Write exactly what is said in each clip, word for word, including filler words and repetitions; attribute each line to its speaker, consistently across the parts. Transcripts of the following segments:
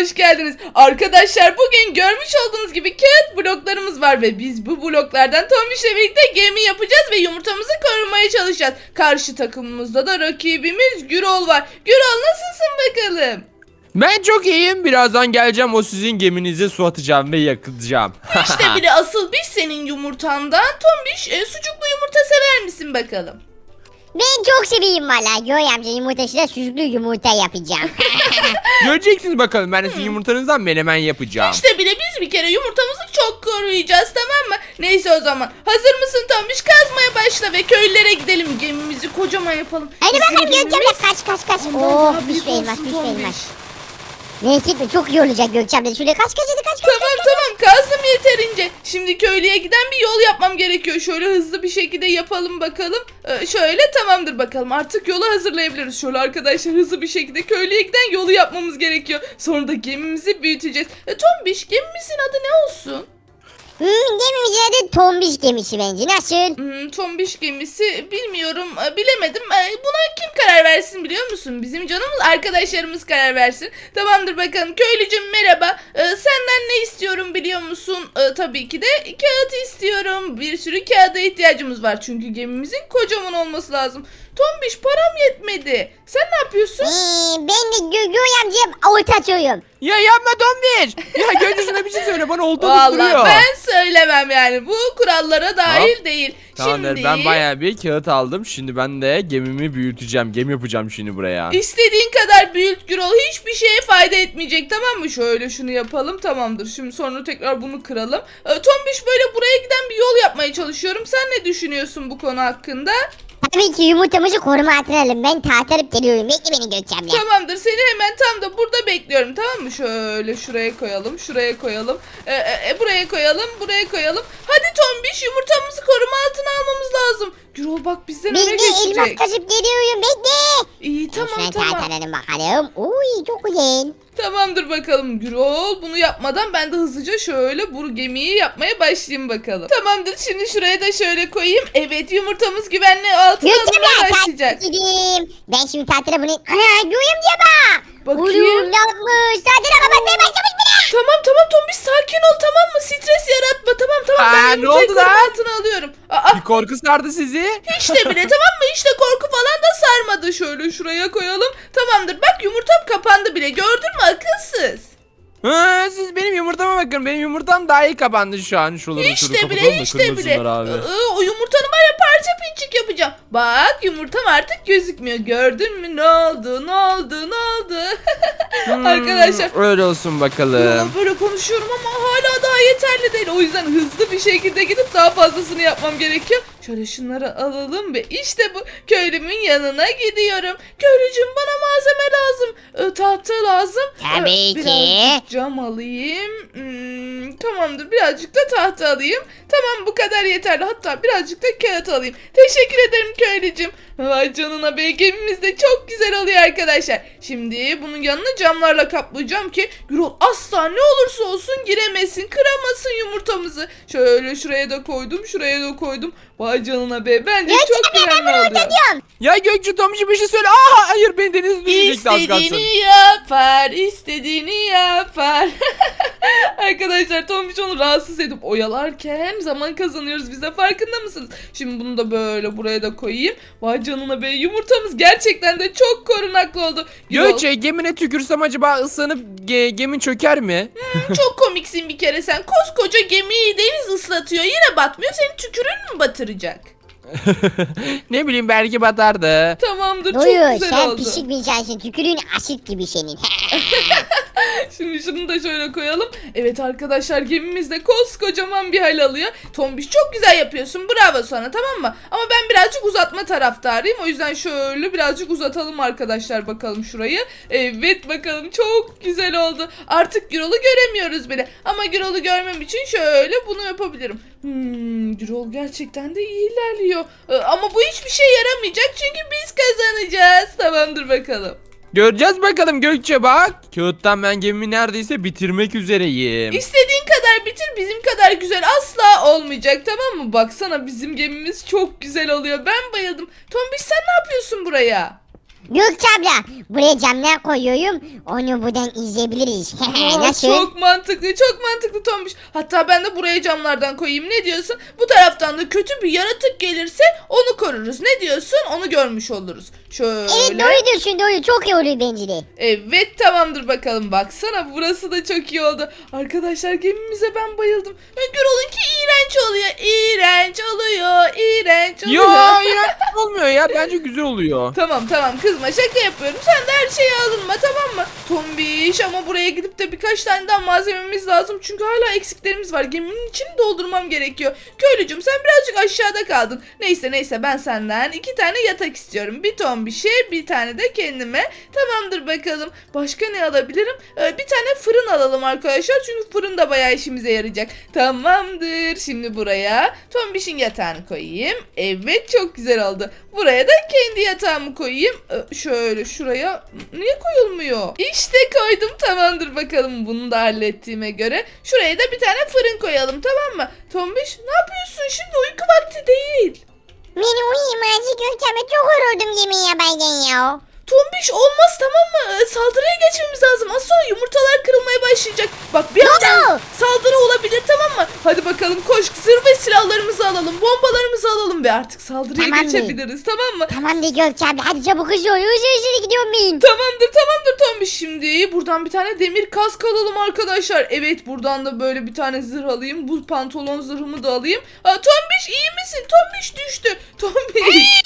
Speaker 1: hoş geldiniz. Arkadaşlar bugün görmüş olduğunuz gibi kağıt bloklarımız var ve biz bu bloklardan Tombiş'le birlikte gemi yapacağız ve yumurtamızı korumaya çalışacağız. Karşı takımımızda da rakibimiz Gürol var. Gürol nasılsın bakalım?
Speaker 2: Ben çok iyiyim. Birazdan geleceğim, o sizin geminize su atacağım ve yakacağım.
Speaker 1: İşte bile asıl biz senin yumurtandan. Tombiş e, sucuklu yumurta sever misin bakalım?
Speaker 3: Ben çok seveyim valla. Göğe amca yumurtasıyla sucuklu yumurta yapacağım.
Speaker 2: Göreceksiniz bakalım, ben de sizin yumurtanızdan menemen yapacağım.
Speaker 1: İşte bile biz bir kere yumurtamızı çok koruyacağız, tamam mı? Neyse o zaman. Hazır mısın Tombiş? Kazmaya başla ve köylere gidelim. Gemimizi kocaman yapalım.
Speaker 3: Hadi
Speaker 1: Bizim
Speaker 3: bakalım Gökçe abla,
Speaker 1: gemimiz-
Speaker 3: kaç kaç kaç.
Speaker 1: Ondan
Speaker 3: Oh
Speaker 1: daha
Speaker 3: bir
Speaker 1: büyük
Speaker 3: sürü elmas
Speaker 1: olsun
Speaker 3: bir sürü
Speaker 1: Tombiş.
Speaker 3: elmas. Neyse mi çok iyi olacak Gökçe abla. Şöyle kaç kaç hadi kaç kaç.
Speaker 1: Tamam tamam kazdım yeterince. Şimdi köylüye giden bir yol yapmam gerekiyor. Şöyle hızlı bir şekilde yapalım bakalım. Ee, şöyle tamamdır bakalım. Artık yolu hazırlayabiliriz. Şöyle arkadaşlar hızlı bir şekilde köylüye giden yolu yapmamız gerekiyor. Sonra da gemimizi büyüteceğiz. E, Tombiş gemimizin adı ne olsun?
Speaker 3: Hmm, gemimizin adı Tombiş gemisi bence. Nasıl?
Speaker 1: Hmm, Tombiş gemisi bilmiyorum, e, bilemedim. E, buna kim karar versin biliyor musun? Bizim canımız arkadaşlarımız karar versin. Tamamdır bakalım. Köylücüm merhaba. E, senden ne istiyorum biliyor musun? E, tabii ki de kağıt istiyorum. Bir sürü kağıda ihtiyacımız var. Çünkü gemimizin kocaman olması lazım. Tombiş param yetmedi. Sen ne yapıyorsun?
Speaker 3: Ee, ben de Gö Göğe amcaya orta atıyorum.
Speaker 2: Ya yapma Tombiş. Ya Gönlü şuna bir şey söyle, bana oldu
Speaker 1: Vallahi
Speaker 2: duruyor.
Speaker 1: ben söylemem yani. Bu kurallara dahil değil.
Speaker 2: Tamamdır,
Speaker 1: Şimdi...
Speaker 2: ben bayağı bir kağıt aldım. Şimdi ben de gemimi büyüteceğim. Gemi yapacağım şimdi buraya.
Speaker 1: İstediğin kadar büyüt Gürol, hiçbir şeye fayda etmeyecek, tamam mı? Şöyle şunu yapalım, tamamdır. Şimdi sonra tekrar bunu kıralım. Ee, Tombiş böyle buraya giden bir yol yapmaya çalışıyorum. Sen ne düşünüyorsun bu konu hakkında?
Speaker 3: Tabii ki yumurtamızı koruma altına alalım. Ben tartarıp geliyorum. Bekle beni Gökçe abla.
Speaker 1: Tamamdır, seni hemen tam da burada bekliyorum, tamam mı? Şöyle şuraya koyalım, şuraya koyalım. Ee, e, e, buraya koyalım, buraya koyalım. Hadi Tombiş, yumurtamızı koruma altına almamız lazım. Gürol bak bizden öne
Speaker 3: Bekle elmas
Speaker 1: geçecek.
Speaker 3: kasıp geliyorum. Bekle.
Speaker 1: İyi tamam
Speaker 3: Şuna
Speaker 1: tamam.
Speaker 3: tartaralım bakalım. Uy çok güzel.
Speaker 1: Tamamdır bakalım Gürol. Bunu yapmadan ben de hızlıca şöyle bu gemiyi yapmaya başlayayım bakalım. Tamamdır, şimdi şuraya da şöyle koyayım. Evet, yumurtamız güvenli altına
Speaker 3: Gökçe
Speaker 1: alınmaya
Speaker 3: abla
Speaker 1: başlayacak.
Speaker 3: tartar gideyim. Ben şimdi tartıra bunu... Ana Göğe amca bak.
Speaker 1: Bakayım.
Speaker 3: Oğlum ne yapmış? Tartıra kapatmaya başlamış bile.
Speaker 1: Tamam tamam Tombiş, sakin ol, tamam mı? Stres yaratma, tamam tamam.
Speaker 2: Aa,
Speaker 1: Ben
Speaker 2: ne
Speaker 1: yumurtayı
Speaker 2: oldu
Speaker 1: koruma
Speaker 2: lan?
Speaker 1: altına alıyorum. Aa,
Speaker 2: Bir korku sardı sizi.
Speaker 1: hiç de bile tamam mı? Hiç de korku falan da sarmadı. Şöyle şuraya koyalım. Tamamdır, bak yumurtam kapandı bile. Gördün mü akılsız?
Speaker 2: Ha, siz benim yumurtama bakın. Benim yumurtam daha iyi kapandı şu an. Şuraları şöyle
Speaker 1: Hiç de
Speaker 2: kapatalım
Speaker 1: bile
Speaker 2: da
Speaker 1: hiç de bile.
Speaker 2: kırmasınlar abi.
Speaker 1: Iı, o yumurtanı var ya parça pinçik yapacağım. Bak yumurtam artık gözükmüyor. Gördün mü? Ne oldu? Ne oldu? Ne oldu?
Speaker 2: Hmm,
Speaker 1: Arkadaşlar.
Speaker 2: öyle olsun bakalım.
Speaker 1: Ya böyle konuşuyorum ama hala daha yeterli değil. O yüzden hızlı bir şekilde gidip daha fazlasını yapmam gerekiyor. Şöyle şunları alalım ve işte bu köylümün yanına gidiyorum. Köylücüm bana malzeme lazım. Ee, tahta lazım.
Speaker 3: Tabii
Speaker 1: Ee,
Speaker 3: ki.
Speaker 1: Birazcık cam alayım. Hmm, tamamdır, birazcık da tahta alayım. Tamam, bu kadar yeterli. Hatta birazcık da kağıt alayım. Teşekkür ederim köylücüm. Vay canına be, gemimiz de çok güzel oluyor arkadaşlar. Şimdi bunun yanını camlarla kaplayacağım ki Gürol asla ne olursa olsun giremesin, kıramasın yumurtamızı. Şöyle şuraya da koydum, şuraya da koydum. Vay canına be, bence
Speaker 3: Gökçe
Speaker 1: çok
Speaker 3: abla ben
Speaker 1: güvenli
Speaker 3: bunu orta
Speaker 1: oluyor.
Speaker 3: diyorum.
Speaker 2: Ya Gökçe Tombiş bir şey söyle. Aa hayır, beni denize düşecekti az kalsın.
Speaker 1: İstediğini yapar, istediğini yapar. Arkadaşlar Tombiş onu rahatsız edip oyalarken zaman kazanıyoruz biz de, farkında mısınız? Şimdi bunu da böyle buraya da koyayım. Vay canına be, yumurtamız gerçekten de çok korunaklı oldu. Gürol,
Speaker 2: Gökçe gemine tükürsem acaba ıslanıp ge gemin çöker mi?
Speaker 1: çok komiksin bir kere sen. Koskoca gemiyi deniz ıslatıyor, yine batmıyor. Senin tükürün mü batıracak?
Speaker 2: Ne bileyim, belki batardı.
Speaker 1: Tamamdır, çok
Speaker 3: Doyur
Speaker 1: güzel
Speaker 3: sen
Speaker 1: oldu.
Speaker 3: pişik bir insansın. Tükürüğün asit gibi senin.
Speaker 1: Şimdi şunu da şöyle koyalım. Evet arkadaşlar, gemimiz de koskocaman bir hal alıyor. Tombiş çok güzel yapıyorsun, bravo sana, tamam mı? Ama ben birazcık uzatma taraftarıyım. O yüzden şöyle birazcık uzatalım arkadaşlar bakalım şurayı. Evet bakalım, çok güzel oldu. Artık Gürol'u göremiyoruz bile. Ama Gürol'u görmem için şöyle bunu yapabilirim. Hmm, Gürol gerçekten de iyi ilerliyor. Ee, ama bu hiçbir şey yaramayacak çünkü biz kazanacağız. Tamamdır bakalım.
Speaker 2: Göreceğiz bakalım Gökçe, bak. Kağıttan ben gemimi neredeyse bitirmek üzereyim.
Speaker 1: İstediğin kadar bitir, bizim kadar güzel asla olmayacak, tamam mı? Baksana bizim gemimiz çok güzel oluyor. Ben bayıldım. Tombiş sen ne yapıyorsun buraya?
Speaker 3: Gökçe abla buraya camlar koyuyorum. Onu buradan izleyebiliriz.
Speaker 1: Aa,
Speaker 3: Nasıl?
Speaker 1: Çok mantıklı, çok mantıklı Tombiş. Hatta ben de buraya camlardan koyayım. Ne diyorsun? Bu taraftan da kötü bir yaratık gelirse onu koruruz. Ne diyorsun? Onu görmüş oluruz. Şöyle.
Speaker 3: Evet doğru diyorsun doğru. Çok iyi oluyor bence de.
Speaker 1: Evet tamamdır bakalım. Baksana burası da çok iyi oldu. Arkadaşlar gemimize ben bayıldım. Ve Gürol'unki iğrenç oluyor. İğrenç oluyor. İğrenç oluyor.
Speaker 2: Ya iğrenç olmuyor ya. Bence güzel oluyor.
Speaker 1: Tamam tamam kızma şaka yapıyorum. Sen de her şeye alınma tamam mı? Tombiş ama buraya gidip de birkaç tane daha malzememiz lazım. Çünkü hala eksiklerimiz var. Geminin içini doldurmam gerekiyor. Köylücüm sen birazcık aşağıda kaldın. Neyse neyse ben senden iki tane yatak istiyorum. Bir tombişe bir tane de kendime. Tamamdır bakalım. Başka ne alabilirim? Ee, bir tane fırın alalım arkadaşlar. Çünkü fırın da bayağı işimize yarayacak. Tamamdır. Şimdi buraya tombişin yatağını koyayım. Evet çok güzel oldu. Buraya da kendi yatağımı koyayım. Ee, şöyle şuraya niye koyulmuyor? İşte koydum tamamdır bakalım bunu da hallettiğime göre. Şuraya da bir tane fırın koyalım tamam mı? Tombiş ne yapıyorsun şimdi uyku vakti değil.
Speaker 3: Beni uyuyayım azıcık Gökçe abla. Çok yoruldum yemeği yaparken ya.
Speaker 1: Tombiş olmaz tamam mı? Ee, Saldırıya geçmemiz lazım. Az sonra yumurtalar kırılmaya başlayacak. Bak bir anda
Speaker 3: oldu?
Speaker 1: saldırı olabilir tamam mı? Hadi bakalım koş zırh ve silahlarımızı alalım. Bombalarımızı alalım ve artık saldırıya
Speaker 3: Tamam.
Speaker 1: geçebiliriz tamam mı?
Speaker 3: Tamam de Gökçe abla. Hadi çabuk hızlı ol. Hızlı hızlı gidiyorum ben.
Speaker 1: Tamamdır tamamdır Tombiş. Şimdi buradan bir tane demir kask alalım arkadaşlar. Evet buradan da böyle bir tane zırh alayım. Bu pantolon zırhımı da alayım. Aa, Tombiş iyi misin? Tombiş düştü. Tombiş.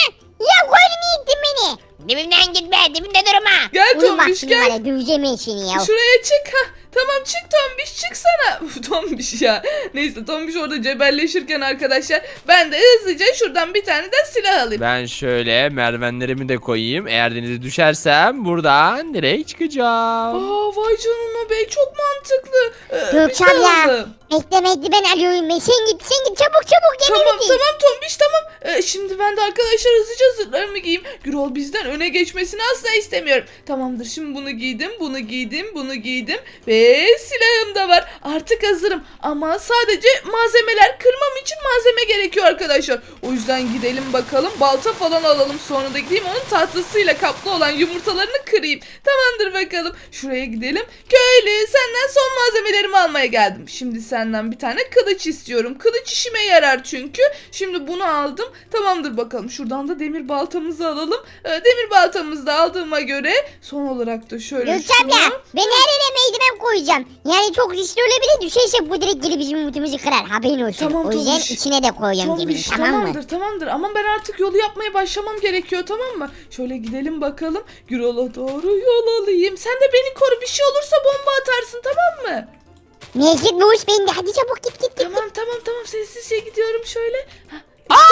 Speaker 3: Ya koyun iyi ittin beni.
Speaker 4: Dibimden gitme, dibimde durma.
Speaker 1: Gel
Speaker 3: Uyum bak
Speaker 1: Tombiş
Speaker 3: şimdi
Speaker 1: gel.
Speaker 3: bana. Döveceğim ben seni ya.
Speaker 1: Şuraya çık. Hah, tamam çık Tombiş çıksana. Uf, Tombiş ya. Neyse Tombiş orada cebelleşirken arkadaşlar ben de hızlıca şuradan bir tane de silah alayım.
Speaker 2: Ben şöyle merdivenlerimi de koyayım. Eğer denize düşersem buradan direkt çıkacağım.
Speaker 1: Aa vay canına be çok mantıklı. Ee, bir
Speaker 3: Gökçe
Speaker 1: şey
Speaker 3: abla.
Speaker 1: aldım.
Speaker 3: Bekle bekle ben alıyorum ben. Sen git sen git çabuk çabuk gemi
Speaker 1: Tamam
Speaker 3: bitir.
Speaker 1: tamam Tombiş tamam. Ee, şimdi ben de arkadaşlar hızlıca zırhlarımı giyeyim. Gürol bizden öne geçmesini asla istemiyorum. Tamamdır şimdi bunu giydim, bunu giydim, bunu giydim ve silahım da var. Artık hazırım ama sadece malzemeler kırmam için malzeme gerekiyor arkadaşlar. O yüzden gidelim bakalım balta falan alalım sonra da gideyim onun tahtasıyla kaplı olan yumurtalarını kırayım. Tamamdır bakalım. Şuraya gidelim. Köylü senden son malzemelerimi almaya geldim. Şimdi senden bir tane kılıç istiyorum. Kılıç işime yarar çünkü. Şimdi bunu aldım. Tamamdır bakalım. Şuradan da demir baltamızı alalım. Ee, demir baltamızı da aldığıma göre son olarak da şöyle
Speaker 3: Gökçe
Speaker 1: şunu-
Speaker 3: abla ben her yere meydan koyacağım. Yani çok riskli olabilir düşerse bu direkt gelip bizim umutumuzu kırar haberin olsun.
Speaker 1: Tamam,
Speaker 3: o yüzden
Speaker 1: Tombiş.
Speaker 3: içine de koyacağım gemini
Speaker 1: Tombiş,
Speaker 3: tamam mı?
Speaker 1: tamamdır tamamdır ama ben artık yolu yapmaya başlamam gerekiyor tamam mı? Şöyle gidelim bakalım. Gürol'a doğru yol alayım. Sen de beni koru bir şey olursa bomba atarsın tamam mı?
Speaker 3: Mecit Muş bende hadi çabuk git git git.
Speaker 1: Tamam tamam tamam sessizce gidiyorum şöyle. Hah, işte.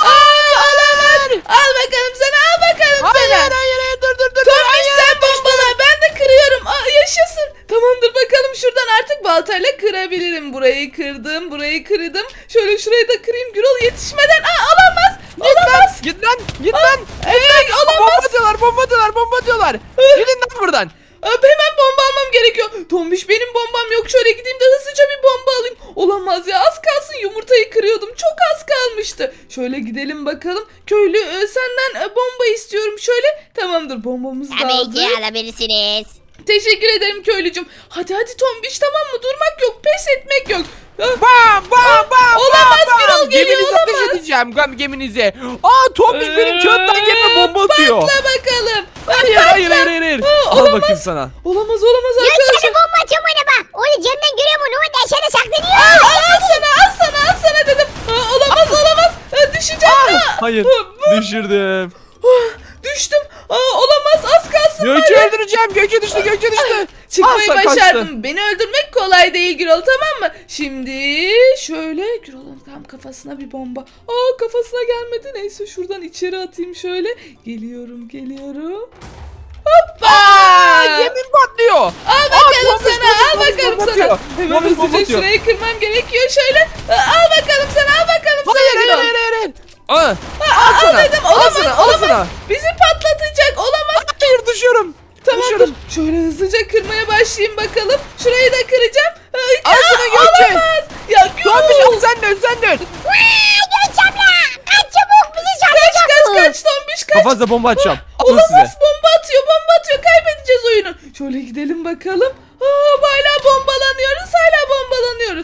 Speaker 1: Aa, olamaz. Al bakalım sana al bakalım
Speaker 2: Hayır
Speaker 1: sana.
Speaker 2: hayır hayır dur dur dur.
Speaker 1: Tombiş sen bombala ben de kırıyorum. Aa, yaşasın. Tamamdır bakalım şuradan artık baltayla kırabilirim. Burayı kırdım burayı kırdım. Şöyle şurayı da kırayım Gürol yetişmeden. Aa olamaz. Olamaz.
Speaker 2: Git lan git lan.
Speaker 1: Ee, olamaz.
Speaker 2: Bomba diyorlar bomba diyorlar bomba diyorlar. Gidin lan buradan.
Speaker 1: Aa, hemen bomba almam gerekiyor. Tombiş benim bombam yok. Şöyle gideyim de hızlıca bir bomba alayım. Olamaz ya az kalsın yumurtayı kırıyordum. Çok az kalmıştı. Şöyle gidelim bakalım. Köylü e, senden e, bomba istiyorum. Şöyle tamamdır bombamızı da
Speaker 4: Tabii ki
Speaker 1: aldık.
Speaker 4: alabilirsiniz.
Speaker 1: Teşekkür ederim köylücüm. Hadi hadi Tombiş tamam mı? Durmak yok pes etmek yok. Ah,
Speaker 2: Bam bam bam.
Speaker 1: Olamaz,
Speaker 2: bam, bam.
Speaker 1: Gürol geliyor,
Speaker 2: Geminize ateş
Speaker 1: olamaz.
Speaker 2: edeceğim gem- geminize. Aa Tombiş benim kağıttan gemime bomba atıyor.
Speaker 1: Patla bakalım.
Speaker 2: Hayır hayır hayır hayır. hayır.
Speaker 1: Aa,
Speaker 2: Al
Speaker 1: olamaz.
Speaker 2: bakayım sana.
Speaker 1: Olamaz olamaz
Speaker 3: Gökçe
Speaker 1: arkadaşlar.
Speaker 3: abla bomba atıyorum ona bak. Onu camdan görüyorum onu. O da aşağıda saklanıyor.
Speaker 1: Al, al sana al sana al sana dedim. Aa, olamaz olamaz. Aa, düşeceğim. Aa,
Speaker 2: Hayır
Speaker 1: aa,
Speaker 2: düşürdüm.
Speaker 1: ah, düştüm. Aa, olamaz az kalsın.
Speaker 2: Gökçe öldüreceğim. Gökçe düştü Gökçe düştü.
Speaker 1: Çıkmayı
Speaker 2: Al, sen
Speaker 1: başardım.
Speaker 2: kaçtın.
Speaker 1: Beni öldürmek kolay değil Gürol tamam mı? Şimdi şöyle Gürol'un tam kafasına bir bomba. Aa kafasına gelmedi. Neyse şuradan içeri atayım şöyle. Geliyorum geliyorum. Hoppa!
Speaker 2: Aa, yemin patlıyor.
Speaker 1: Al bakalım
Speaker 2: Tombiş,
Speaker 1: sana al
Speaker 2: Tombiş,
Speaker 1: bakalım
Speaker 2: Tombiş
Speaker 1: sana.
Speaker 2: atıyor.
Speaker 1: Hemen
Speaker 2: Tombiş bomba
Speaker 1: hızlıca
Speaker 2: atıyor.
Speaker 1: şurayı kırmam gerekiyor şöyle. Aa, al bakalım sana al bakalım
Speaker 2: Hayır
Speaker 1: sana
Speaker 2: hayır
Speaker 1: Gürol.
Speaker 2: hayır hayır. hayır. Aa,
Speaker 1: Aa,
Speaker 2: al sana.
Speaker 1: dedim,
Speaker 2: Al
Speaker 1: olamaz,
Speaker 2: sana al
Speaker 1: olamaz.
Speaker 2: sana.
Speaker 1: Bizi patlatacak olamaz.
Speaker 2: Hayır düşüyorum.
Speaker 1: Tamamdır.
Speaker 2: Düşüyorum.
Speaker 1: Şöyle hızlıca kırmaya başlayayım bakalım. Şurayı da kıracağım. Ay,
Speaker 2: Al
Speaker 1: aa,
Speaker 2: sana Gökçe.
Speaker 1: olamaz. Ya
Speaker 2: Tombiş
Speaker 1: Gürol.
Speaker 2: al sen dön sen dön.
Speaker 3: Vay Gökçe abla. Kaç çabuk bizi
Speaker 1: Kaç
Speaker 3: saklayacak
Speaker 1: kaç
Speaker 3: bu.
Speaker 1: kaç Tombiş kaç.
Speaker 2: Kafanıza bomba atacağım.
Speaker 1: Ah,
Speaker 2: Alın size.
Speaker 1: atıyor bomba atıyor. Kaybedeceğiz oyunu. Şöyle gidelim bakalım. Aa, hala bombalanıyoruz. Hala bombalanıyoruz.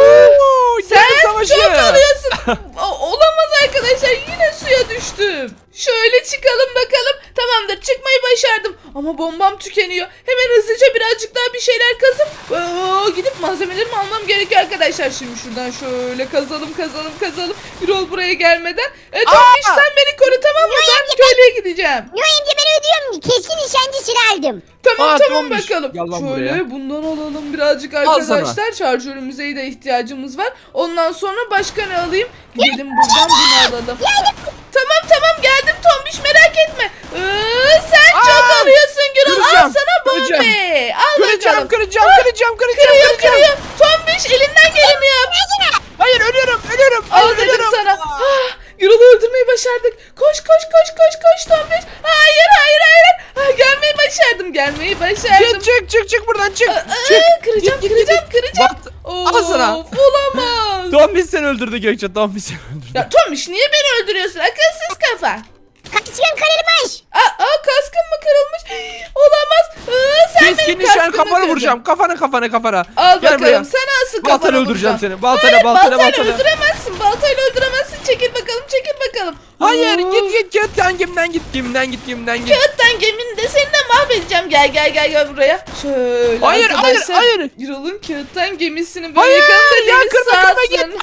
Speaker 2: Oo,
Speaker 1: Sen
Speaker 2: gemi savaşı.
Speaker 1: çok alıyorsun. O- olamaz arkadaşlar. Yine suya düştüm. Şöyle çıkalım bakalım. Tamamdır, çıkmayı başardım. Ama bombam tükeniyor. Hemen hızlıca birazcık daha bir şeyler kazıp oo, gidip malzemelerimi almam gerekiyor arkadaşlar. Şimdi şuradan şöyle kazalım kazalım kazalım. Yürol buraya gelmeden. E, Tombiş
Speaker 2: Aa!
Speaker 1: sen beni koru, tamam mı? Ben köylüye gideceğim.
Speaker 3: Yoy amca ben ödüyorum. Keskin nişancı silah aldım.
Speaker 1: Tamam
Speaker 2: Aa,
Speaker 1: tamam
Speaker 2: Tombiş,
Speaker 1: bakalım.
Speaker 2: gel lan
Speaker 1: Şöyle
Speaker 2: buraya.
Speaker 1: bundan alalım birazcık
Speaker 2: Al sana.
Speaker 1: arkadaşlar. Şarjörümüze de ihtiyacımız var. Ondan sonra başka ne alayım? Gidelim buradan bunu alalım. Tamam tamam geldim Tombiş, merak etme. Ee, sen
Speaker 2: Aa,
Speaker 1: çok alıyorsun Gürol. Al
Speaker 2: kıracağım,
Speaker 1: sana
Speaker 2: kıracağım.
Speaker 1: bombe. Al
Speaker 2: Kıracağım,
Speaker 1: bakalım.
Speaker 2: kıracağım, kıracağım, kıracağım,
Speaker 1: Kırıyor
Speaker 2: kıracağım.
Speaker 1: kırıyor. Tombiş elinden geleni yap.
Speaker 2: Hayır, ölüyorum, ölüyorum.
Speaker 1: Al
Speaker 2: Hayır,
Speaker 1: dedim
Speaker 2: ölüyorum.
Speaker 1: sana. Ah, Gürol'u öldürmeyi başardık. Koş koş koş koş koş Tombiş. Hayır hayır hayır. Ah, gelmeyi başardım gelmeyi başardım.
Speaker 2: Çık, çık, çık, çık buradan, çık.
Speaker 1: Aa,
Speaker 2: Çık.
Speaker 1: kıracağım
Speaker 2: Git, git,
Speaker 1: kıracağım
Speaker 2: git.
Speaker 1: kıracağım.
Speaker 2: Bak,
Speaker 1: Of,
Speaker 2: al sana.
Speaker 1: olamaz.
Speaker 2: Tombiş seni öldürdü Gökçe, Tombiş seni öldürdü.
Speaker 1: Ya Tomiş niye beni öldürüyorsun? Akılsız kafa.
Speaker 3: Kaçkın kırılmış.
Speaker 1: Aa, aa kaskım mı kırılmış? Olamaz. Aa, sen
Speaker 2: Keskin
Speaker 1: benim
Speaker 2: nişan
Speaker 1: kaskımı
Speaker 2: kafanı
Speaker 1: kırdın.
Speaker 2: vuracağım. Kafana, kafana, kafana.
Speaker 1: Al
Speaker 2: Gel
Speaker 1: bakalım
Speaker 2: buraya.
Speaker 1: sen asıl
Speaker 2: Baltayla
Speaker 1: kafana
Speaker 2: öldüreceğim
Speaker 1: vuracağım.
Speaker 2: seni. Baltayla,
Speaker 1: Hayır,
Speaker 2: baltayla,
Speaker 1: baltayla
Speaker 2: baltayla.
Speaker 1: öldüremezsin. Baltayla öldüremezsin. Çekil bakalım çekil bakalım.
Speaker 2: Hayır,
Speaker 1: Oo.
Speaker 2: git git git. Lan gemiden git, gemiden git, gemiden git.
Speaker 1: Kağıttan gemini de seni de mahvedeceğim. Gel gel gel gel buraya. Şöyle
Speaker 2: Hayır, hayır,
Speaker 1: arkadaşlar.
Speaker 2: hayır.
Speaker 1: Yürol'un kağıttan gemisini böyle
Speaker 2: Hayır,
Speaker 1: yakalım da
Speaker 2: ya
Speaker 1: deniz
Speaker 2: kırma, kırma, git.
Speaker 1: sağsın.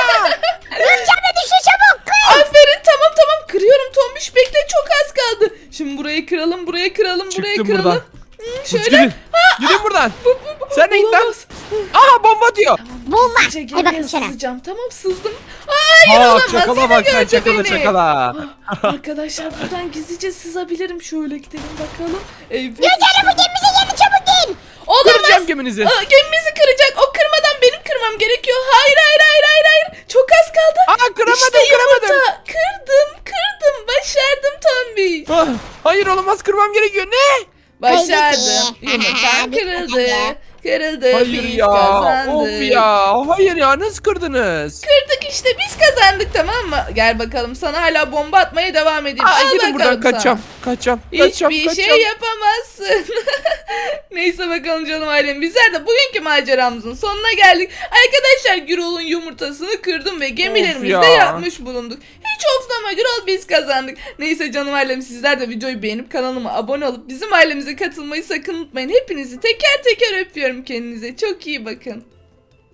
Speaker 3: Gökçemle düşün çabuk. Kır.
Speaker 1: Aferin tamam tamam kırıyorum Tombiş, bekle çok az kaldı. Şimdi burayı kıralım burayı kıralım burayı
Speaker 2: Çıktım
Speaker 1: kıralım.
Speaker 2: buradan.
Speaker 1: Hmm,
Speaker 2: Hadi
Speaker 1: şöyle.
Speaker 2: Gidin. Gidin buradan.
Speaker 1: Bu, bu, bu.
Speaker 2: Sen de git lan.
Speaker 1: Olamaz.
Speaker 3: Ah,
Speaker 2: Aha, bomba atıyor.
Speaker 3: Bomba.
Speaker 1: Gizlice
Speaker 3: Hadi
Speaker 1: gemiye
Speaker 3: bakayım sana.
Speaker 1: sızacağım. Tamam sızdım. Hayır
Speaker 2: Aa,
Speaker 1: olamaz.
Speaker 2: çakala
Speaker 1: Yine
Speaker 2: bak sen,
Speaker 1: gördü
Speaker 2: çakala,
Speaker 1: beni.
Speaker 2: çakala.
Speaker 1: Arkadaşlar buradan gizlice sızabilirim. Şöyle gidelim bakalım. Evet.
Speaker 3: Gökçemle bu gemimize yeni çabuk gel.
Speaker 1: Olamaz.
Speaker 2: Kıracağım geminizi.
Speaker 1: Aa, gemimizi kıracak. O kırmadan benim kırmam gerekiyor. Hayır hayır hayır hayır hayır. Çok az kaldı.
Speaker 2: Aa, kıramadım,
Speaker 1: işte
Speaker 2: kıramadım.
Speaker 1: yumurta. Kırdım kırdım. Başardım Tombiş.
Speaker 2: Ah, hayır, olamaz, kırmam gerekiyor. Ne?
Speaker 1: Başardım.
Speaker 3: Peki.
Speaker 1: Yumurtam kırıldı. Kırıldı.
Speaker 2: Hayır
Speaker 1: biz
Speaker 2: ya.
Speaker 1: kazandık.
Speaker 2: Of ya. Hayır ya, nasıl kırdınız?
Speaker 1: Kırdık işte biz kazandık, tamam mı? Gel bakalım sana hala bomba atmaya devam edeyim.
Speaker 2: Aa,
Speaker 1: Al
Speaker 2: gidin
Speaker 1: bakalım
Speaker 2: buradan,
Speaker 1: sana.
Speaker 2: kaçacağım. Kaçacağım. Kaçacağım.
Speaker 1: Hiçbir
Speaker 2: kaçacağım.
Speaker 1: şey yapamazsın. Neyse bakalım canım ailem. Bizler de bugünkü maceramızın sonuna geldik. Arkadaşlar Gürol'un yumurtasını kırdım ve gemilerimizde
Speaker 2: Of ya.
Speaker 1: yapmış bulunduk. Hiç oflama Gürol, biz kazandık. Neyse canım ailem, sizler de videoyu beğenip kanalıma abone olup bizim ailemize katılmayı sakın unutmayın. Hepinizi teker teker öpüyorum. Kendinize çok iyi bakın.